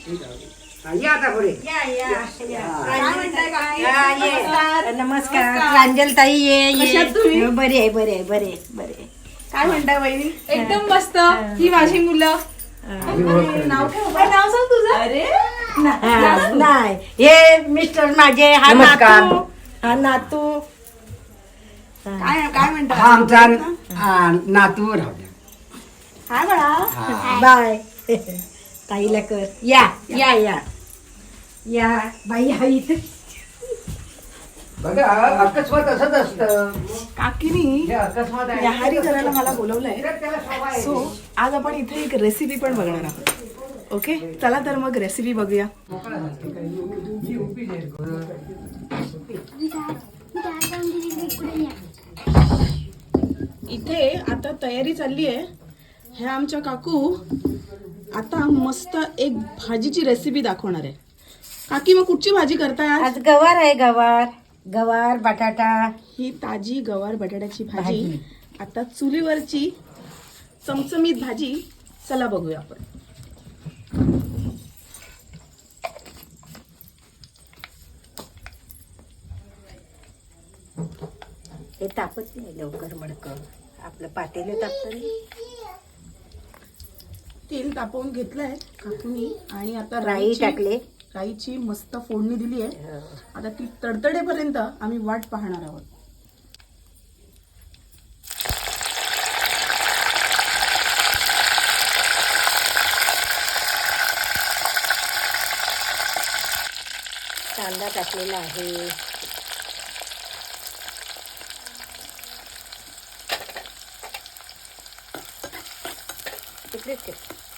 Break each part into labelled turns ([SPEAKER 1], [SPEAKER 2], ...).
[SPEAKER 1] या आता पुढे.
[SPEAKER 2] नमस्कार प्रांजल ताई. ये बरे आहे बरे आहे बरे बरे.
[SPEAKER 3] काय म्हणताय वहिनी? एकदम मस्त. ही माझी मुलं. नाव सांग तुझं. अरे
[SPEAKER 2] नाही, हे मिस्टर माझे. हा
[SPEAKER 1] नमस्कार.
[SPEAKER 2] नातू. हा नातू.
[SPEAKER 3] काय काय म्हणतात?
[SPEAKER 1] हा आमचा नातू राहू द्या.
[SPEAKER 3] काय म्हणा?
[SPEAKER 2] बाय. ताईला कर. या या या या बाई. हा इथे
[SPEAKER 1] बघा अकस्मात असंच असतं.
[SPEAKER 3] काकीनी
[SPEAKER 1] हे अकस्मात आहे.
[SPEAKER 3] न्याहारी करायला मला बोलवलंय.
[SPEAKER 1] त्याला सवय आहे.
[SPEAKER 3] सो आज आपण इथे एक रेसिपी पण बघणार आहोत. ओके, चला तर मग रेसिपी बघूया. इथे आता तयारी चालली आहे. ह्या आमच्या काकू आता मस्त एक भाजीची रेसिपी दाखवणार आहे. काकी मग कुठची भाजी करताय आज?
[SPEAKER 2] आज गवार आहे. गवार गवार बटाटा.
[SPEAKER 3] ही ताजी गवार बटाट्याची भाजी. आता चुलीवरची चमचमीत भाजी. चला बघूया आपण.
[SPEAKER 2] हे तापच नाही लवकर मडकं. आपलं पातेलं तापतं.
[SPEAKER 3] तेल तापवून घेतलंय काकूनी आणि आता
[SPEAKER 2] राई टाकले.
[SPEAKER 3] राईची मस्त फोडणी दिली आहे. आता ती तडतडेपर्यंत आम्ही वाट पाहणार आहोत.
[SPEAKER 2] कांदा टाकलेला आहे. तिकडेच ठेव.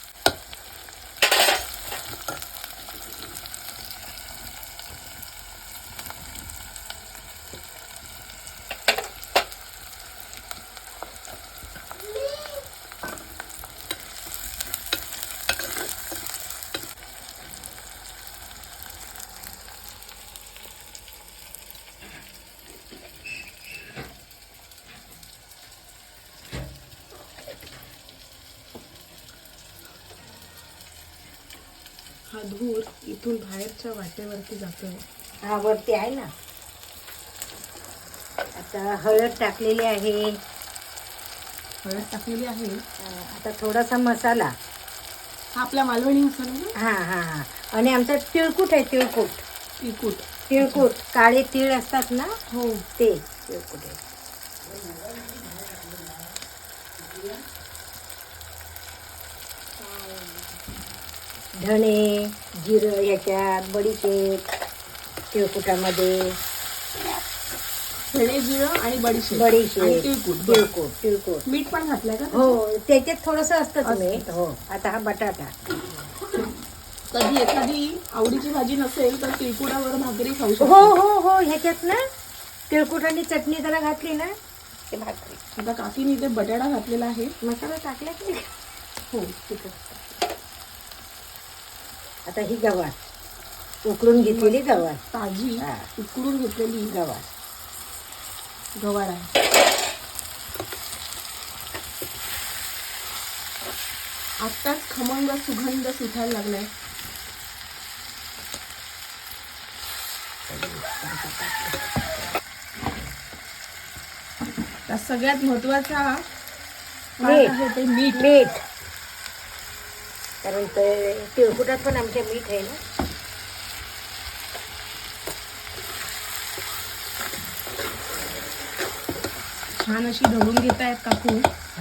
[SPEAKER 3] हा धूर इथून बाहेरच्या वाटेवरती जातोय.
[SPEAKER 2] हा वरती आहे ना. आता हळद टाकलेली आहे.
[SPEAKER 3] हळद टाकलेली आहे.
[SPEAKER 2] आता थोडासा मसाला.
[SPEAKER 3] हा आपला मालवणी मसाला ना.
[SPEAKER 2] हा हा हा. आणि आमचा तिळकूट आहे. तिळकूट.
[SPEAKER 3] तिखट.
[SPEAKER 2] तिळकूट काळे तीळ असतात ना.
[SPEAKER 3] हो.
[SPEAKER 2] ते तिळकूट आहे. धणे जिरं ह्याच्यात. बडीशेप तिळकुटामध्ये.
[SPEAKER 3] धणे जिरं आणि बडीशेप.
[SPEAKER 2] बडीशेप
[SPEAKER 3] आणि तिळकूट.
[SPEAKER 2] तिळकूट तिळकूट.
[SPEAKER 3] मीठ पण घातलंय का?
[SPEAKER 2] हो त्याच्यात थोडस असतं मीठ. हो. आता हा बटाटा.
[SPEAKER 3] कधी एखादी आवडीची भाजी नसेल तर तिळकुटावर भाकरी खाऊ शकतो.
[SPEAKER 2] हो हो हो. ह्याच्यात ना तिळकुट आणि चटणी जरा घातली ना ते भाकरी.
[SPEAKER 3] आता काकीने इथे बटाटा घातलेला आहे.
[SPEAKER 2] मसाला टाकला की नाही?
[SPEAKER 3] हो.
[SPEAKER 2] आता ही गवार उकळून घेतलेली गवार.
[SPEAKER 3] ताजी
[SPEAKER 2] हा.
[SPEAKER 3] उकडून घेतलेली
[SPEAKER 2] गवार.
[SPEAKER 3] गवार आहे. आत्ताच खमंग सुगंध सुटायला लागलाय. तर सगळ्यात महत्वाचा
[SPEAKER 2] मीठ.
[SPEAKER 3] आहे ते मीठ.
[SPEAKER 2] मीठ. कारण ते तिळकुटात पण आमच्या मीठ आहे ना.
[SPEAKER 3] छान अशी ढवळून घेत आहेत काकू.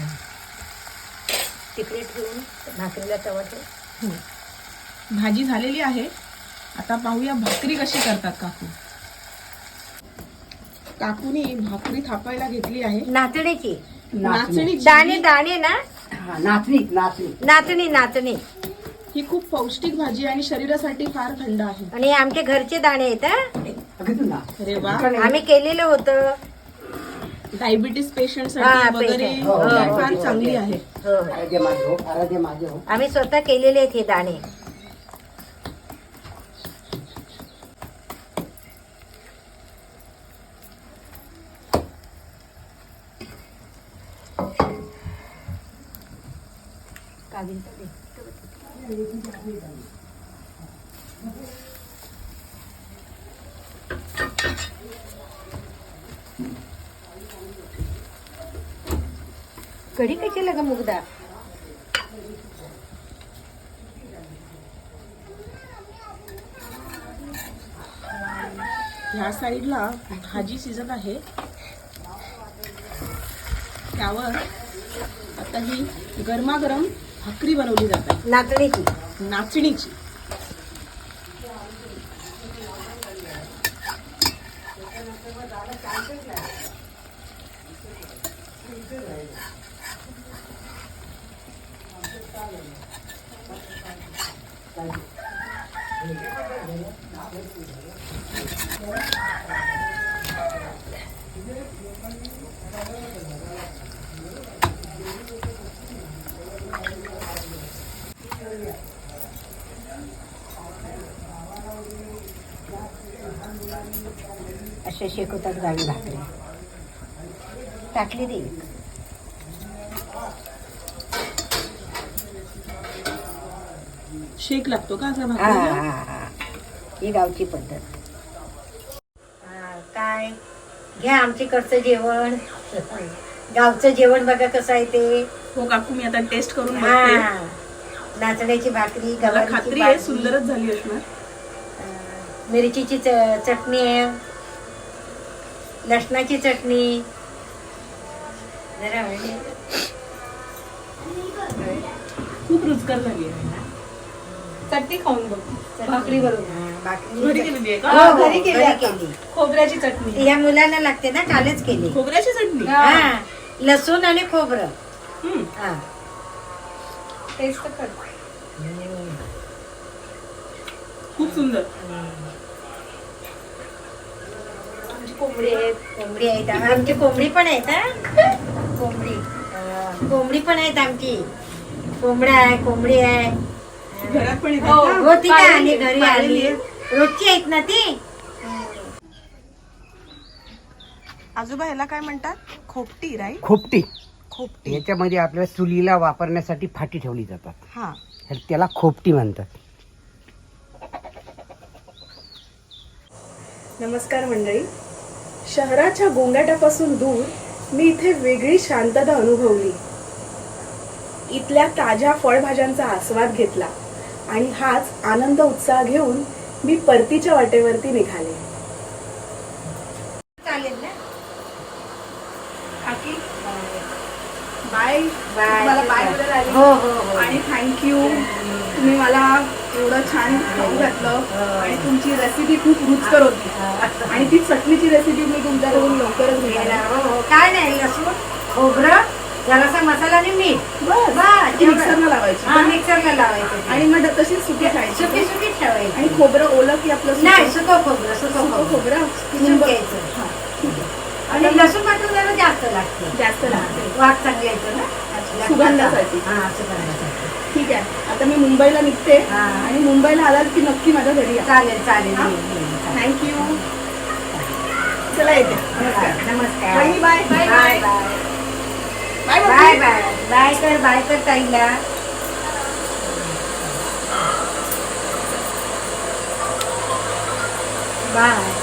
[SPEAKER 2] तिकडे ठेवून भाकरीला तवा ठेव.
[SPEAKER 3] भाजी झालेली आहे. आता पाहूया भाकरी कशी करतात काकू. काकूनी भाकरी थापायला घेतली आहे.
[SPEAKER 2] नाचणीची.
[SPEAKER 3] नाचणी.
[SPEAKER 2] दाणे दाणे ना.
[SPEAKER 1] हा, नाचणी नाचणी.
[SPEAKER 2] नाचणी नाचणी.
[SPEAKER 3] ही खूप पौष्टिक भाजी आणि शरीरासाठी फार थंड आहे.
[SPEAKER 2] आणि आमचे घरचे दाणे आहेत हा.
[SPEAKER 1] अगदी ना.
[SPEAKER 3] अरे वा.
[SPEAKER 2] आम्ही केलेलं होतं.
[SPEAKER 3] डायबिटीस पेशंट
[SPEAKER 2] हा,
[SPEAKER 3] साठी वगैरे
[SPEAKER 2] patient.
[SPEAKER 1] हो,
[SPEAKER 3] ही
[SPEAKER 1] हो,
[SPEAKER 3] फार
[SPEAKER 1] हो,
[SPEAKER 3] चांगली
[SPEAKER 2] हो.
[SPEAKER 3] आहे.
[SPEAKER 2] हो.
[SPEAKER 1] आराध्य माझे हो. आराध्य माझे हो.
[SPEAKER 2] आम्ही स्वतः केलेले आहेत हे दाणे. कढी कशाला ग मुगदा?
[SPEAKER 3] ह्या साईडला भाजी शिजत आहे. त्यावर आता ही गरमागरम भाकरी बनवली जात आहे
[SPEAKER 2] नाचणीची.
[SPEAKER 3] नाचणीची.
[SPEAKER 2] अशा शेकवतात गावी भाकरी. टाकली दे.
[SPEAKER 3] शेक लागतो का असा
[SPEAKER 2] हा
[SPEAKER 3] भाकरीला?
[SPEAKER 2] हा हा. ही गावची पद्धत. काय घ्या आमच्याकडचं जेवण. गावचं जेवण बघा कसं आहे ते.
[SPEAKER 3] हो काकू, मी आता टेस्ट करून बघते.
[SPEAKER 2] हा. नाचण्याची भाकरी,
[SPEAKER 3] मला
[SPEAKER 2] गवारीची
[SPEAKER 3] खात्री आहे
[SPEAKER 2] भाजी,
[SPEAKER 3] सुंदरच झाली असणार.
[SPEAKER 2] मिरचीची चटणी आहे, लसणाची चटणी. जरा म्हणजे
[SPEAKER 3] खूप रुचकर झाली आहे. चटणी खाऊन बघ. भाकरी बरोबर
[SPEAKER 2] भाकरी
[SPEAKER 3] घरी केलेली आहे का?
[SPEAKER 2] हो, हो,
[SPEAKER 3] घरी केली
[SPEAKER 2] घरी
[SPEAKER 3] आता.
[SPEAKER 2] केली.
[SPEAKER 3] खोबऱ्याची चटणी.
[SPEAKER 2] या मुलांना लागते ना, कालच केली.
[SPEAKER 3] खोबऱ्याची चटणी.
[SPEAKER 2] हा, लसूण आणि खोबरं.
[SPEAKER 3] हम्म.
[SPEAKER 2] हा.
[SPEAKER 3] टेस्ट कर. खूप सुंदर.
[SPEAKER 2] कोंबडी आहेत आमची. कोंबडी पण आहेत हा. कोंबडी पण आहेत आमची. कोंबड्या आहे, कोंबडी आहे.
[SPEAKER 3] घरात पण येतात
[SPEAKER 2] हो,
[SPEAKER 3] का?
[SPEAKER 2] हो, ती काय आली घरी
[SPEAKER 3] पाळलेली
[SPEAKER 2] आली.
[SPEAKER 3] आहे.
[SPEAKER 2] रोजची आहेत ना ती.
[SPEAKER 3] आजोबा ह्याला काय म्हणतात? खोपटी, राईट?
[SPEAKER 1] खोपटी.
[SPEAKER 3] खोपटी.
[SPEAKER 1] याच्यामध्ये आपल्या चुलीला वापरण्यासाठी फाटी ठेवली जातात.
[SPEAKER 3] हा.
[SPEAKER 1] त्याला खोपटी म्हणतात.
[SPEAKER 3] नमस्कार मंडळी. शहराच्या गोंगाटापासून दूर मी इथे वेगळी शांतता अनुभवली. इथल्या ताज्या फळभाज्यांचा आस्वाद घेतला आणि हाच आनंद उत्साह घेऊन मी परतीच्या वाटेवरती निघाले.
[SPEAKER 2] चालेल ना.
[SPEAKER 3] काकी बाय.
[SPEAKER 2] बाय.
[SPEAKER 3] तुम्हाला बाय बोलायला आली.
[SPEAKER 2] हो हो हो.
[SPEAKER 3] आणि थँक्यू. तुम्ही मला एवढं छान खाऊ घातलं आणि तुमची रेसिपी खूप रुचकर होती. आणि ती चटणीची रेसिपी मी तुमच्याकडून लवकरच घेणार.
[SPEAKER 2] हो हो. काय नाही, लसूण, खोबरं, जरासा मसाला आणि मीठ.
[SPEAKER 3] बस.
[SPEAKER 2] बस, एवढं.
[SPEAKER 3] मिक्सरला लावायची.
[SPEAKER 2] हा, मिक्सरला लावायचं.
[SPEAKER 3] आणि मग तशीच सुकी खायची.
[SPEAKER 2] सुकी सुकी ठेवायची.
[SPEAKER 3] आणि खोबरं ओलं की आपलं
[SPEAKER 2] नाही, सुकं खोबरं. सुकं खोबरं
[SPEAKER 3] खोबरं
[SPEAKER 2] किसून घ्यायचं.
[SPEAKER 3] हा, ठीक आहे.
[SPEAKER 2] आणि लसूण पाठवून जरा जास्त लागते.
[SPEAKER 3] जास्त लागते.
[SPEAKER 2] वाट चांगली येतो ना
[SPEAKER 3] सुगंधासाठी.
[SPEAKER 2] हा, सुगंधासाठी.
[SPEAKER 3] ठीक आहे. आता मी मुंबईला निघते
[SPEAKER 2] हा.
[SPEAKER 3] आणि मुंबईला आलात की नक्की माझ्या घरी या.
[SPEAKER 2] चालेल चालेल.
[SPEAKER 3] हा? थँक्यू. चला येते. नमस्कार.
[SPEAKER 2] नमस्कार.
[SPEAKER 3] Bye bye bye
[SPEAKER 2] bye
[SPEAKER 3] bye
[SPEAKER 2] bye bye bye bye कर ताईला. बाय.